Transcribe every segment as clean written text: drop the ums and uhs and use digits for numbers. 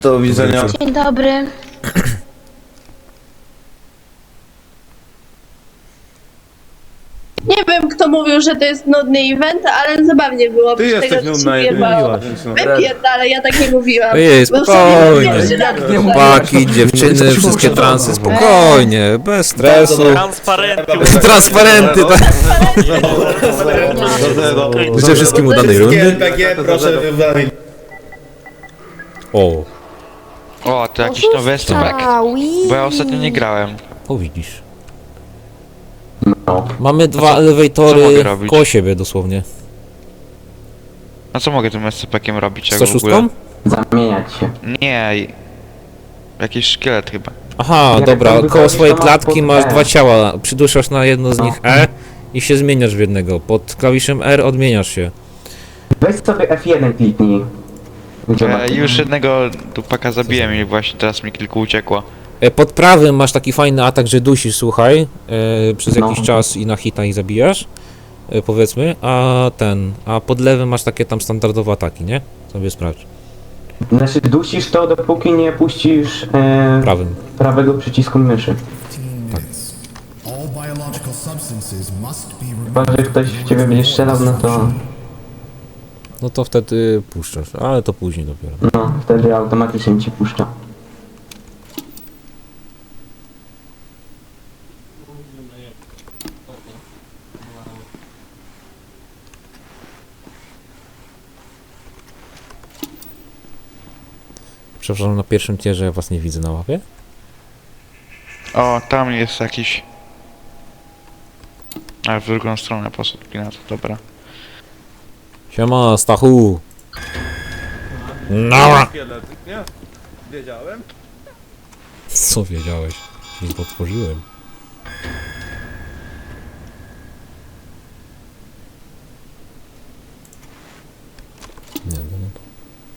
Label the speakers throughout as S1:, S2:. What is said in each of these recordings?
S1: Do widzenia.
S2: Dzień dobry.
S3: Nie wiem, kto mówił, że to jest nudny event, ale zabawnie było.
S1: Ty
S3: przy
S1: jesteś
S3: tego, co
S1: nudna,
S3: się
S1: jak
S3: jebało.
S1: mówiłaś. Więc no.
S3: Wypierdalę, ja tak nie mówiłam.
S4: Ojej,
S3: Bo w sobie
S4: spokojnie.
S3: pierwszy raz
S1: Nie
S3: słyszę.
S4: Chłopaki, dziewczyny, wszystkie transy, spokojnie, bez stresu.
S5: Transparenty.
S4: Transparenty, tak. Życzę wszystkim udanej rundy.
S1: RPG, proszę wywalić.
S4: O,
S5: O, to jakiś nowy STPek. Bo ja ostatnio nie grałem.
S4: o widzisz. Mamy dwa
S5: co
S4: elewatory
S5: mogę robić?
S4: koło siebie dosłownie.
S5: A co mogę tym SCP-kiem robić, jak w
S4: 106?
S5: ogóle?
S6: Zamieniać się.
S5: Nie. Jakiś szkielet chyba.
S4: Aha,
S6: Jak
S4: dobra,
S6: tam
S4: koło
S6: wychodzisz,
S4: swojej
S6: to masz
S4: klatki
S6: pod
S4: masz
S6: E.
S4: dwa ciała. Przyduszasz na jedno z nich E i się zmieniasz w jednego. Pod klawiszem R odmieniasz się.
S6: Weź sobie F1 kliknij.
S5: Już jednego dupaka zabiłem i właśnie teraz mi kilku uciekło.
S4: Pod prawym masz taki fajny atak, że dusisz, słuchaj, przez
S6: No.
S4: jakiś czas i na hita ich zabijasz, powiedzmy, a pod lewym masz takie tam standardowe ataki, nie? Sobie sprawdź.
S6: Znaczy dusisz to, dopóki nie puścisz
S4: Prawym.
S6: prawego przycisku myszy.
S7: All biological substances must be
S6: Chyba, że ktoś w ciebie będzie strzelał, no to...
S4: No to wtedy puszczasz, ale to później dopiero.
S6: No, wtedy automatycznie ci puszcza.
S4: Przepraszam, na pierwszym tierze ja was nie widzę na łapie.
S5: O, tam jest jakiś... A w drugą stronę poszedł Pinat, dobra.
S4: Siema, Stachu! No!
S1: Szkielet, nie? Wiedziałem.
S4: Co wiedziałeś? Nic otworzyłem. Nie, to nie to.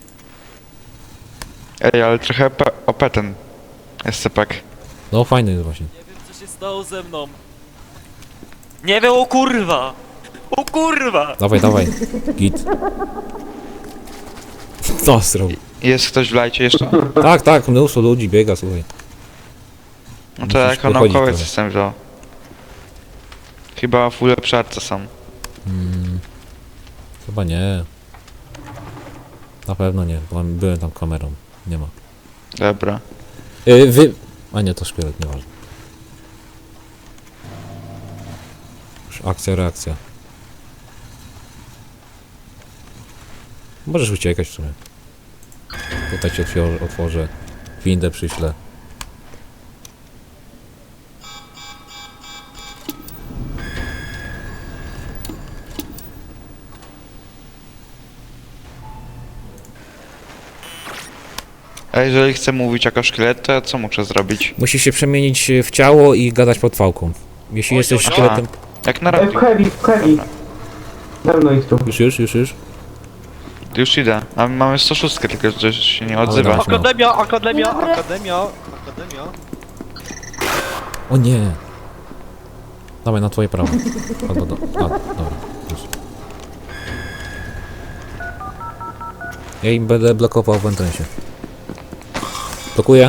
S5: Ej, ale trochę OP ten SCP-ek.
S4: No fajny jest właśnie.
S8: Nie wiem, co się stało ze mną. Nie wiem, o kurwa! O kurwa!
S4: Dawaj, dawaj. Git. No, zrobił.
S5: Jest ktoś w lajcie jeszcze?
S4: Tak, tak, mnóstwo ludzi biega, słuchaj.
S5: No to
S4: Musisz
S5: jako
S4: pochodzić
S5: naukowiec
S4: trochę.
S5: jestem wziął. Chyba w ulepszarce są.
S4: Chyba nie. Na pewno nie, bo byłem tam kamerą. Nie ma.
S5: Dobra.
S4: A nie, to szkielet, nieważne. Już akcja, reakcja. Możesz uciekać w sumie. Tutaj ci otworzę. Windę przyślę.
S5: A jeżeli chcę mówić jako szkielet, to co muszę zrobić?
S4: Musisz się przemienić w ciało i gadać pod fałką. Jeśli jesteś
S5: oj.
S4: szkieletem...
S5: Jak na
S6: W
S5: radiu.
S6: heavy, w heavy. Dawno ich tu.
S4: Już.
S5: Już idę. A mamy 106, tylko że się nie odzywa.
S4: dawaj.
S8: Akademia!
S4: O nie! Dawaj, na twoje prawo. Albo dobra, już. Ja im będę blokował w entrensie. Blokuję.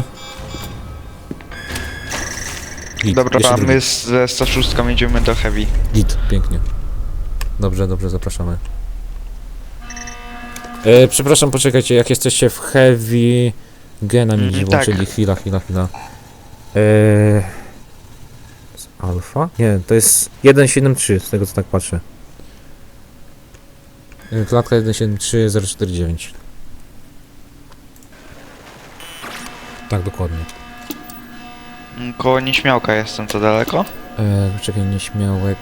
S4: Git,
S5: Dobra,
S4: jeszcze
S5: a
S4: drugi.
S5: my ze 106 jedziemy do Heavy.
S4: Git, pięknie. Dobrze, zapraszamy. Przepraszam, poczekajcie, jak jesteście w heavy... Gena mi gdzieś
S5: tak.
S4: włączyli, chwila. Z alfa? Nie, to jest 173, z tego co tak patrzę. Klatka 173049. Tak, dokładnie.
S5: Koło nieśmiałka jestem, to daleko?
S4: Czekaj, nieśmiałek...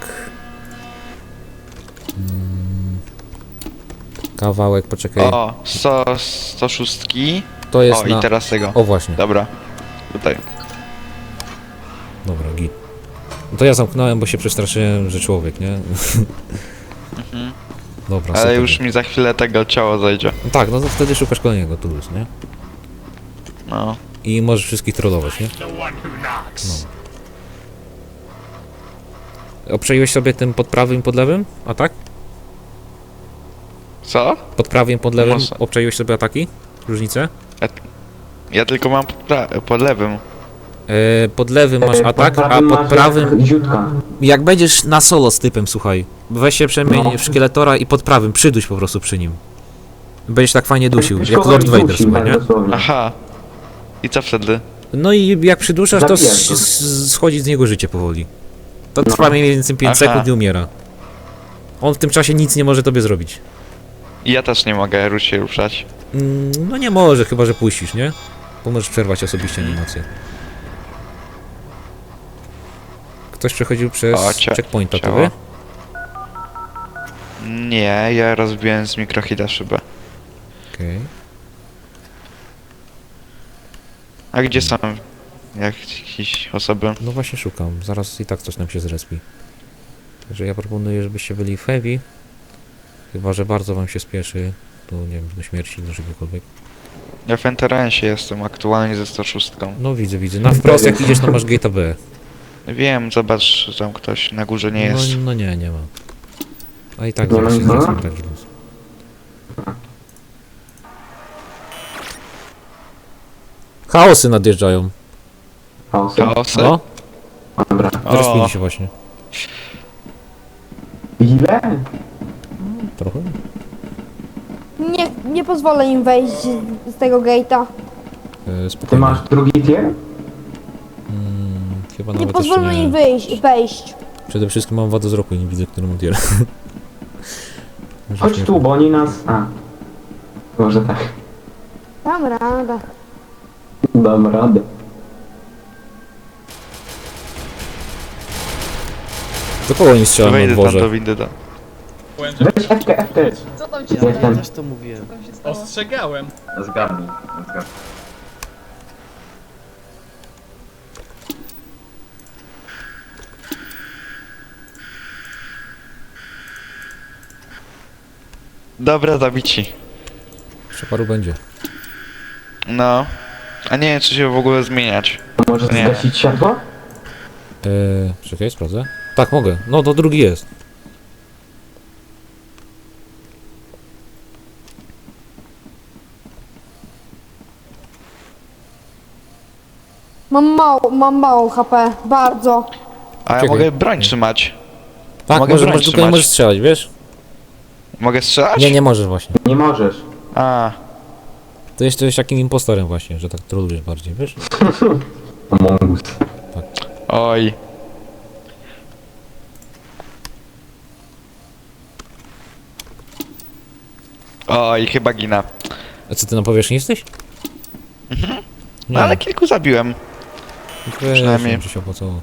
S4: Kawałek, poczekaj.
S5: O, 106.
S4: To jest
S5: O,
S4: na...
S5: i teraz tego.
S4: O, właśnie.
S5: Dobra. Tutaj.
S4: Dobra, git. No to ja zamknąłem, bo się przestraszyłem, że człowiek, nie? Dobra,
S5: Ale
S4: super.
S5: już mi za chwilę tego ciało zajdzie.
S4: No tak, no to wtedy szukasz kolejnego tulus, nie?
S5: No.
S4: I możesz wszystkich trollować, nie? No. Obczaiłeś sobie tym pod prawym i pod lewym? A tak?
S5: Co?
S4: Pod prawym i pod lewym
S5: Może.
S4: obczaiłeś sobie ataki? Różnice?
S5: Ja tylko mam pod lewym.
S4: Pod lewym masz atak, a pod
S6: masz
S4: prawym...
S6: Ziutka.
S4: Jak będziesz na solo z typem, słuchaj, weź się przemień w szkieletora i pod prawym, przyduś po prostu przy nim. Będziesz tak fajnie dusił, jak
S6: Szkoda
S4: Lord
S6: mi
S4: Vader,
S6: dusi,
S4: słuchaj,
S6: tak
S4: nie?
S6: dosłownie.
S5: Aha. I co wtedy?
S4: No i jak przyduszasz, to
S6: Zabijasz go.
S4: schodzi z niego życie powoli. To trwa mniej więcej 5
S5: Aha.
S4: sekund i umiera. On w tym czasie nic nie może tobie zrobić.
S5: I ja też nie mogę się ruszać.
S4: No nie może, chyba że puścisz, nie? Bo możesz przerwać osobiście animację. Ktoś przechodził przez
S5: O,
S4: checkpointa, to
S5: ciało.
S4: wy?
S5: Nie, ja rozbiłem z mikrohita szybę.
S4: Okej.
S5: A gdzie są jakieś osoby?
S4: No właśnie szukam, zaraz i tak coś nam się zrespi. Także ja proponuję, żebyście byli w heavy. Chyba że bardzo wam się spieszy, to nie wiem, do śmierci, do czegokolwiek.
S5: Ja w Enterensie jestem aktualnie ze 106.
S4: No widzę. Na wprost jak idziesz, to masz gate'a B.
S5: Wiem, zobacz, że tam ktoś na górze nie jest.
S4: No nie ma. A i tak
S6: Nie
S4: zaraz się
S6: ma?
S4: zrespi, tak luz. Chaosy nadjeżdżają.
S6: Chaosy.
S5: Chaosy?
S4: No,
S6: Dobra.
S4: zrespili się właśnie.
S6: Ile?
S4: Trochę?
S2: Nie pozwolę im wejść z tego gate'a.
S6: Ty
S4: Spokojnie.
S6: masz drugi tier?
S4: Chyba
S2: Nie
S4: nawet
S2: pozwolę
S4: jeszcze
S2: im
S4: nie.
S2: wejść.
S4: Przede wszystkim mam wadę wzroku i nie widzę, który montier.
S6: Chodź tu, bo oni nas... A. Może tak.
S2: Dam radę.
S6: Dam radę.
S4: Do kogo nie strzelam na
S5: Wejdę tam do
S4: dworze?
S5: windy.
S6: Weź FT.
S3: Co tam się
S6: Ja
S3: stało?
S6: też
S1: to mówiłem.
S3: Co tam się stało?
S1: Ostrzegałem.
S6: Zgadnij.
S5: Dobra, zabici.
S4: Jeszcze paru będzie.
S5: No. A nie wiem, czy się w ogóle zmieniać.
S6: Możesz
S5: Nie.
S6: zgasić światło?
S4: Czekaj, sprawdzę. Tak, mogę. No, to drugi jest.
S2: Mam mało HP. Bardzo.
S5: A ja
S4: Czekaj.
S5: mogę broń trzymać.
S4: Tak,
S5: Mogę broń
S4: tylko nie
S5: trzymać.
S4: możesz strzelać, wiesz?
S5: Mogę strzelać?
S4: Nie możesz właśnie.
S6: Nie możesz.
S5: A,
S4: To jesteś takim impostorem właśnie, że tak trolujesz bardziej, wiesz?
S6: Among Us.
S5: oj. Oj, chyba gina.
S4: A co, ty na powierzchni jesteś?
S5: No ale kilku zabiłem.
S4: Wiesz,
S5: przynajmniej.
S4: że się opłacało.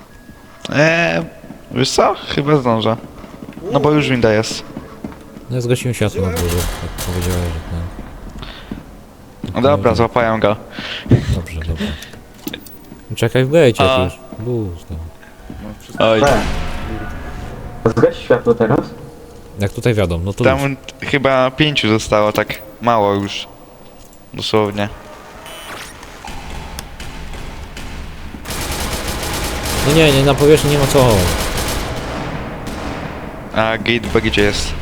S5: Wiesz co? Chyba zdążę. No bo już winda jest.
S4: No ja zgasiłem światło na górze, jak powiedziałem, że ten...
S5: No dobra, złapałem go.
S4: Dobrze. Czekaj w gejcie
S5: A.
S4: już. Luz tam.
S5: Oj.
S6: Zgaś światło teraz?
S4: Jak tutaj wiadomo, no to luz.
S5: Tam chyba 5 zostało, tak mało już. Dosłownie.
S4: No nie, na powierzchni nie ma co.
S5: A gate B gdzie jest?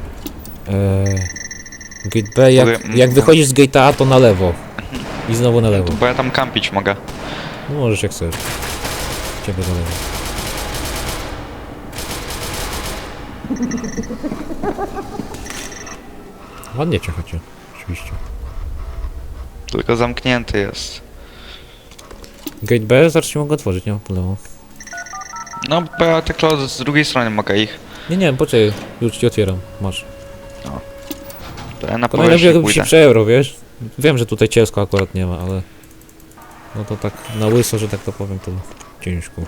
S4: Gate B, jak wychodzisz z gate'a A, to na lewo. I znowu na lewo.
S5: Bo ja tam kampić mogę.
S4: No możesz jak chcesz. Ciebie zależy. Ładnie cię chodzi, oczywiście.
S5: Tylko zamknięty jest.
S4: Gate B, zaraz się mogę otworzyć, nie ma problemu.
S5: No bo ja tylko z drugiej strony mogę ich.
S4: Nie, poczekaj, już ci otwieram, masz.
S5: To ja na
S4: To najlepiej
S5: powierzchnię
S4: jakby się
S5: pójdę.
S4: przeeuro, wiesz? Wiem, że tutaj cielsko akurat nie ma, ale... No to tak na łyso, że tak to powiem, to ciężko.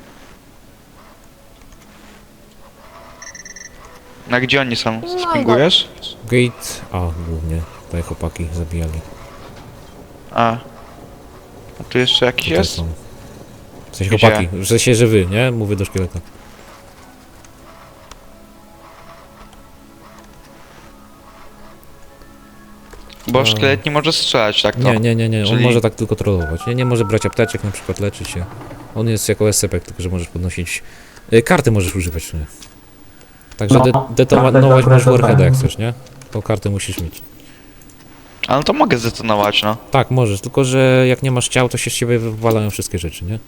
S5: Na gdzie oni są?
S2: No i
S5: Spingujesz?
S4: Gate A głównie, tutaj chłopaki zabijali.
S5: A tu jeszcze jakiś
S4: Tutaj
S5: jest?
S4: są. W sensie
S5: Gdzie?
S4: chłopaki, że się żywy, nie? Mówię do szkieleta.
S5: Bo szkielet nie może strzelać tak to.
S4: Nie, on
S5: Czyli-
S4: może tak tylko trollować. Nie może brać apteczek, na przykład leczyć się. On jest jako SCP, tylko że możesz podnosić... karty możesz używać w sumie. Także
S6: No,
S4: detonować
S6: kartę
S4: możesz
S6: zapraszam.
S4: warheada jak chcesz, nie? To kartę musisz mieć.
S5: Ale to mogę zdetonować, no.
S4: Tak, możesz, tylko że jak nie masz ciał, to się z ciebie wywalają wszystkie rzeczy, nie?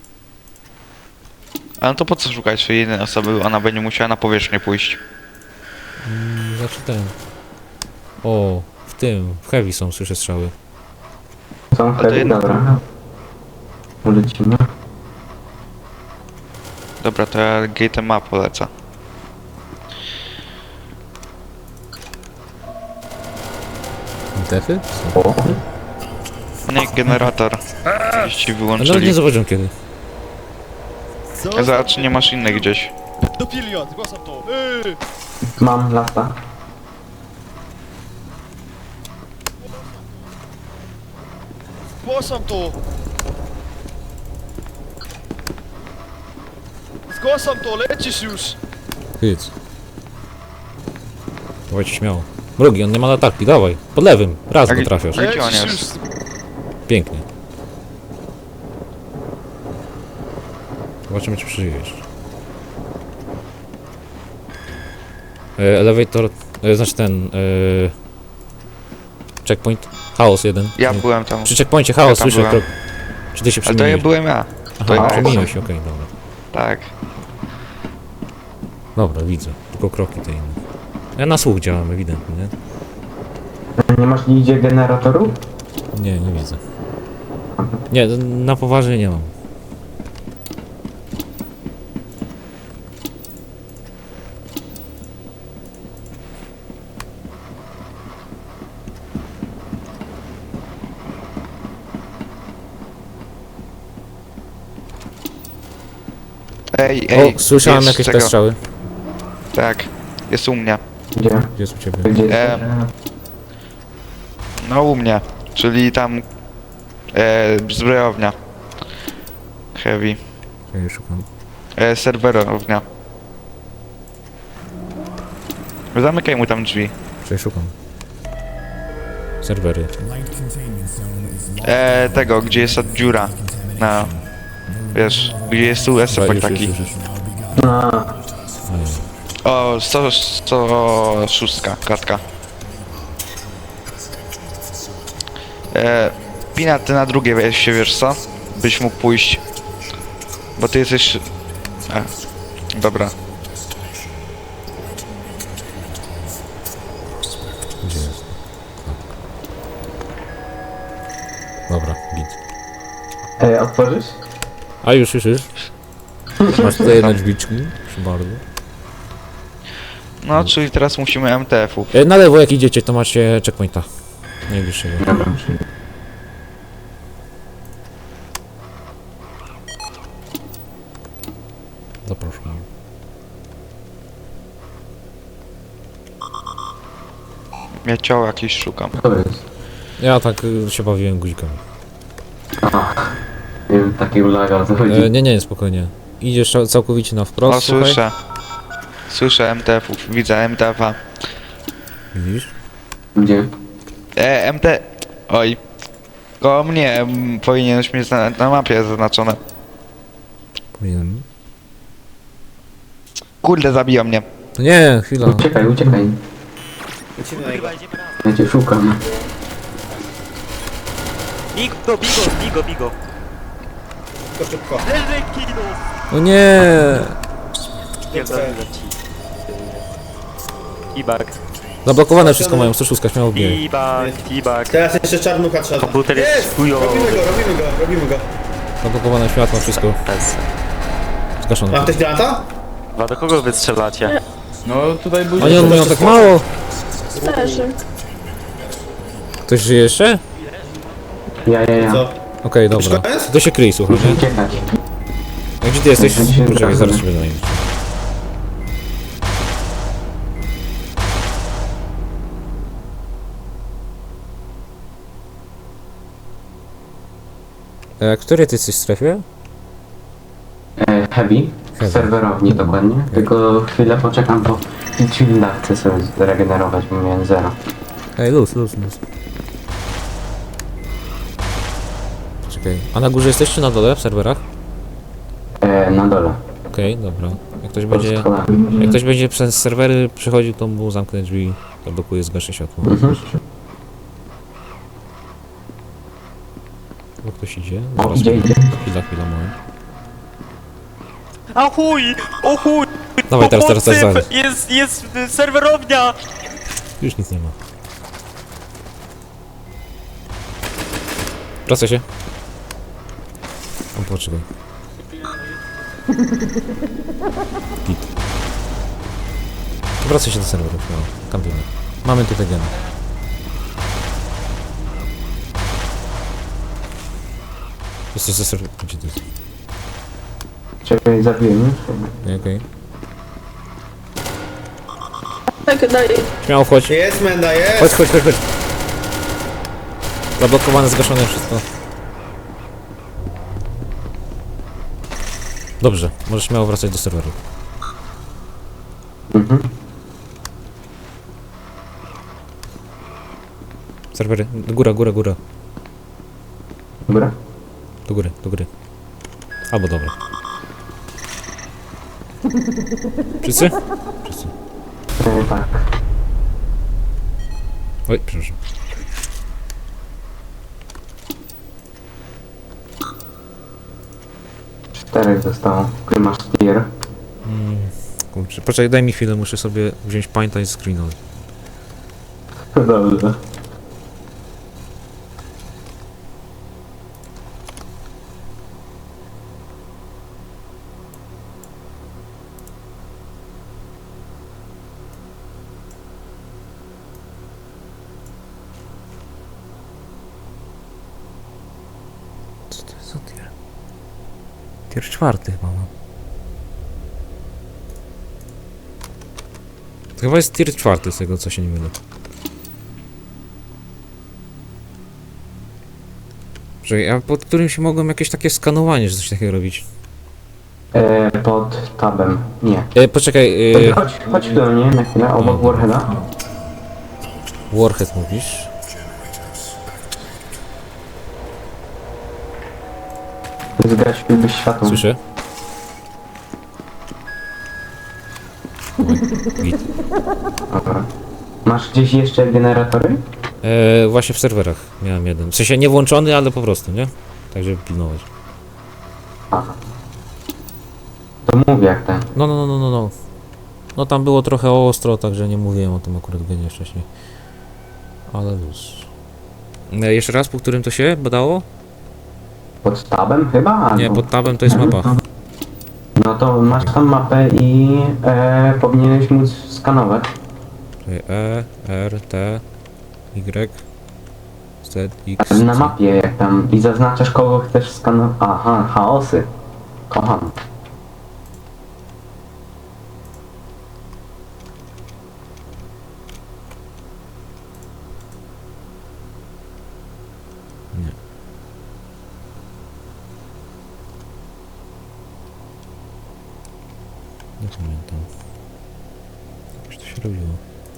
S5: Ale to po co szukać swojej jednej osoby? Ona będzie musiała na powierzchnię pójść.
S4: Znaczy ten... O, w heavy są, słyszę strzały.
S6: Są
S5: to
S6: heavy?
S5: jedno.
S6: Dobra. Ulecimy.
S5: Dobra, to ja gate'em ma polecę.
S4: Defy?
S6: O,
S5: Nie, generator. Gdzieś ci
S4: Ale nawet nie
S5: wyłączyli.
S4: zobaczyłem kiedy.
S5: Zobacz, czy nie masz innych gdzieś.
S1: Dopilion, zgłaszam to.
S6: mam lata.
S1: Zgłaszam to. Zgłaszam to, lecisz już.
S4: Hyc. Dawajcie śmiało. Mrugi, on nie ma latarki, dawaj. Pod lewym, raz
S5: Tak,
S4: go trafiasz.
S5: tak. Gdzie on
S1: Lecisz
S5: jest?
S1: już.
S4: Pięknie. Zobaczymy, czy przeżyjesz. Elevator, znaczy ten... checkpoint. Chaos 1.
S5: Ja byłem tam.
S4: Przy checkpoincie chaos,
S5: Ja tam
S4: słyszę
S5: byłem.
S4: krok. Czy ty się
S5: Ale to ja
S4: przemieniłeś?
S5: byłem ja. to
S4: Aha,
S5: ja
S4: przemieniłeś się, okej, dobra.
S5: Tak.
S4: Dobra, widzę. Tylko kroki te inne. Ja na słuch działam, ewidentnie, nie?
S6: Nie masz nigdzie generatorów?
S4: Nie, nie widzę. Nie, na poważnie nie mam.
S5: Ej,
S4: O, słyszałem
S5: jest
S4: jakieś
S5: tego.
S4: te strzały.
S5: Tak. Jest u mnie.
S6: Gdzie?
S4: Gdzie jest u ciebie?
S6: Gdzie jest?
S5: No u mnie. Czyli tam... zbrojownia. Heavy.
S4: Ja je szukam.
S5: Serwerownia. Zamykaj mu tam drzwi.
S4: Czy szukam? Serwery.
S7: Light containment zone is locked.
S5: Tego, gdzie jest ta dziura. Na... Wiesz, gdzie jest tu
S4: Dobra,
S5: SFP
S4: już,
S5: taki.
S4: już.
S6: A,
S5: O, 106 klatka. Pina, ty na drugie weź się, wiesz co? Byś mógł pójść. Bo ty jesteś... dobra.
S4: Gdzie jest? Dobra, git.
S6: otworzysz?
S4: A już. Masz tutaj jedne drzwiczki, proszę bardzo.
S5: No, czyli teraz musimy MTF-ów.
S4: Na lewo jak idziecie, to macie checkpointa. Najbliższego.
S6: Dobra.
S4: Zapraszam.
S5: Ja ciało jakieś szukam.
S6: To jest.
S4: Ja tak się bawiłem guzikami.
S6: Nie wiem, taki ulaga, o co chodzi.
S4: Nie, spokojnie. Idziesz całkowicie na wprost,
S5: O,
S4: słuchaj.
S5: słyszę. Słyszę MTF-ów. Widzę MTF-a.
S4: Widzisz?
S6: Gdzie?
S5: MT... Oj. Koło mnie powinieneś mieć na mapie zaznaczone.
S4: Powinienem.
S5: Kurde, zabiją mnie.
S4: No nie, chwila.
S6: Uciekaj.
S1: Lecimy na niego.
S6: Ja cię szukam.
S8: Bigo.
S1: Szybko, szybko.
S4: No nie!
S8: T-bag.
S4: Zablokowane wszystko mają, 106 śmiało bije.
S8: T-bag.
S1: Teraz jeszcze czarnucha trzeba.
S8: Komputer jest chujowy.
S1: Robimy go.
S4: Zablokowane światło, wszystko. Zgaszone.
S1: Ma ktoś granata?
S8: A do kogo wy strzelacie?
S4: Oni on mają tak mało!
S3: Leży.
S4: Ktoś żyje jeszcze?
S6: Ja.
S1: Co?
S4: Okej, dobra.
S1: koniec?
S4: To się kryj, słuchaj, nie?
S6: Uciekać.
S4: A gdzie ty jesteś? Poczekaj, zaraz ciebie zajmę. Który ty jesteś w strefie?
S6: Heavy. W serwerowni dokładnie. Tylko chwilę poczekam, bo chwilę chcę sobie zregenerować, bo miałem 0.
S4: Ej, luz. Czekaj, a na górze jesteś czy na dole w serwerach?
S6: Na dole.
S4: Okej, dobra. Jak ktoś
S6: Pod
S4: będzie...
S6: schodami.
S4: Jak ktoś będzie przez serwery przechodził, to mu zamknę drzwi, to blokuje, zgaszę światło. Bo ktoś idzie.
S6: O,
S4: Zaraz,
S6: idzie.
S4: chwila, moment.
S8: A chuj! O chuj!
S4: Dawaj, teraz.
S8: Jest serwerownia!
S4: Już nic nie ma. Wracaj się. O, poczekaj. Git. Wracaj się do serwerów, no. Kampimy. Mamy tutaj gena. Jesteś ze serwerów. Gdzie to jest?
S6: Czekaj, zabiłem już.
S4: Okej.
S3: Tak, dalej.
S4: Śmiało wchodź.
S1: Jest Menda, jest!
S4: Chodź. Zablokowane, zgaszone wszystko. Dobrze, możesz śmiało wracać do serweru.
S6: Mhm.
S4: Serwery, góra.
S6: Dobra.
S4: Do góry. Albo dobra. Wszyscy? Wszyscy.
S6: Tak.
S4: Oj, przepraszam.
S6: Czterech zostało. Który masz tier?
S4: Kurczę, poczekaj, daj mi chwilę, muszę sobie wziąć painta i screenować.
S6: Dobrze.
S4: Co to jest za tier? Tier 4 chyba mam. To chyba jest tier 4 z tego, co się nie mylę. Że ja pod którym się mogłem jakieś takie skanowanie, że coś takiego robić.
S6: Pod tabem. Nie.
S4: Poczekaj,
S6: Chodź do mnie na chwilę, obok Warheada.
S4: Warhead mówisz?
S6: Zgasiłbyś światło.
S4: Słyszę? Oj, git.
S6: Dobra. Masz gdzieś jeszcze generatory?
S4: Właśnie w serwerach miałem jeden. W sensie nie włączony, ale po prostu, nie? Tak, żeby pilnować.
S6: Aha. To mówię jak ten.
S4: No. No tam było trochę ostro, także nie mówiłem o tym akurat genie wcześniej. Ale luz. Jeszcze raz, po którym to się badało?
S6: Pod tabem chyba?
S4: Nie,
S6: Albo...
S4: pod tabem to jest mapa.
S6: No to masz tam mapę i powinieneś móc skanować.
S4: Czyli E, R, T, Y, Z, X,
S6: Na
S4: C.
S6: mapie jak tam i zaznaczasz kogo chcesz skanować. Aha, chaosy. Kocham.
S4: Nie pamiętam. Jakoś to się robiło.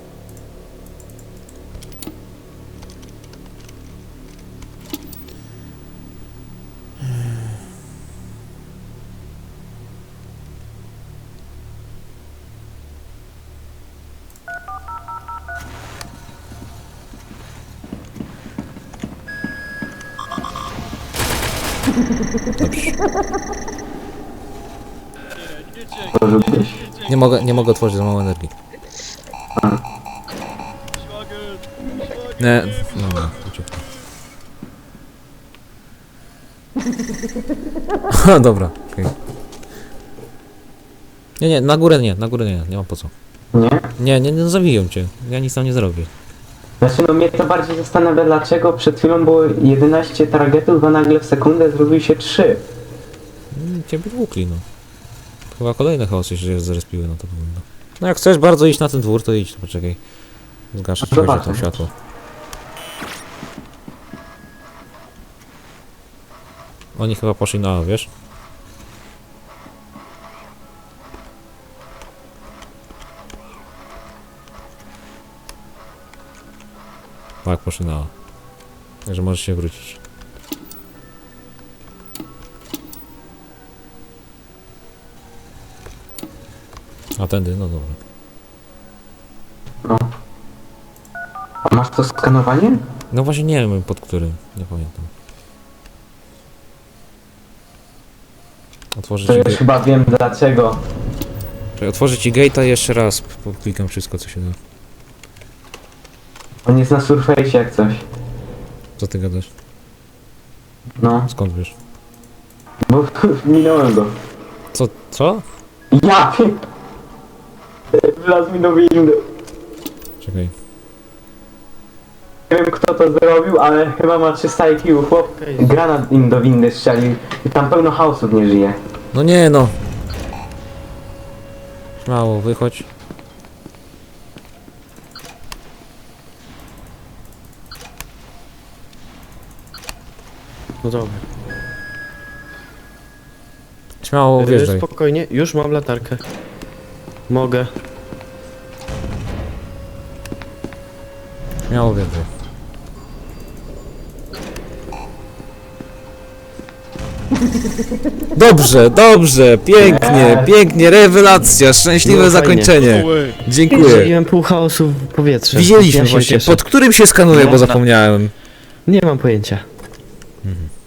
S4: Dobrze.
S6: Porzuciłeś.
S4: Nie mogę otworzyć, za mało energii. Nie, no, uciekł. Dobra, okej. Nie, na górę nie, nie mam po co.
S6: Nie?
S4: Nie zawiją cię, ja nic tam nie zrobię.
S6: Znaczy no mnie to bardziej zastanawia dlaczego przed chwilą było 11 targetów, a nagle w sekundę zrobił się 3.
S4: Ciebie tłukli, no. Chyba kolejne chaosy się zrespiły na to wygląda. No jak chcesz bardzo iść na ten dwór, to idź, to poczekaj. Zgaszę ci
S6: Zobaczę.
S4: tam światło. Oni chyba poszli na A, wiesz? Tak, poszli na A. Także możesz się wrócić. A tędy, no dobra.
S6: No. A masz to skanowanie?
S4: No właśnie nie wiem pod którym, nie pamiętam. Otworzę
S6: To
S4: ci,
S6: już chyba wiem dlaczego.
S4: otworzę ci gate'a i jeszcze raz klikam wszystko, co się da.
S6: On jest na surface jak coś.
S4: Co ty gadasz?
S6: No,
S4: Skąd wiesz?
S6: bo minąłem go.
S4: Co?
S6: Ja wlazł mi do windy.
S4: Czekaj.
S6: Nie wiem kto to zrobił, ale chyba ma 300 IQ. Chłop granat im do windy strzelił i tam pełno chaosów nie żyje.
S4: No nie no. Śmiało, wychodź.
S9: No dobra.
S4: Śmiało, wjeżdżaj.
S9: Spokojnie, już mam latarkę. Mogę.
S4: Śmiało, wjeżdżaj. Dobrze, dobrze, pięknie, pięknie, rewelacja, szczęśliwe
S9: No, fajnie.
S4: zakończenie. Dziękuję.
S9: Strzeliłem pół chaosu w powietrze.
S4: Widzieliśmy
S9: Ja się
S4: właśnie,
S9: cieszę.
S4: pod którym się skanuje, bo
S8: No,
S4: zapomniałem.
S9: Nie mam pojęcia.
S4: Mhm.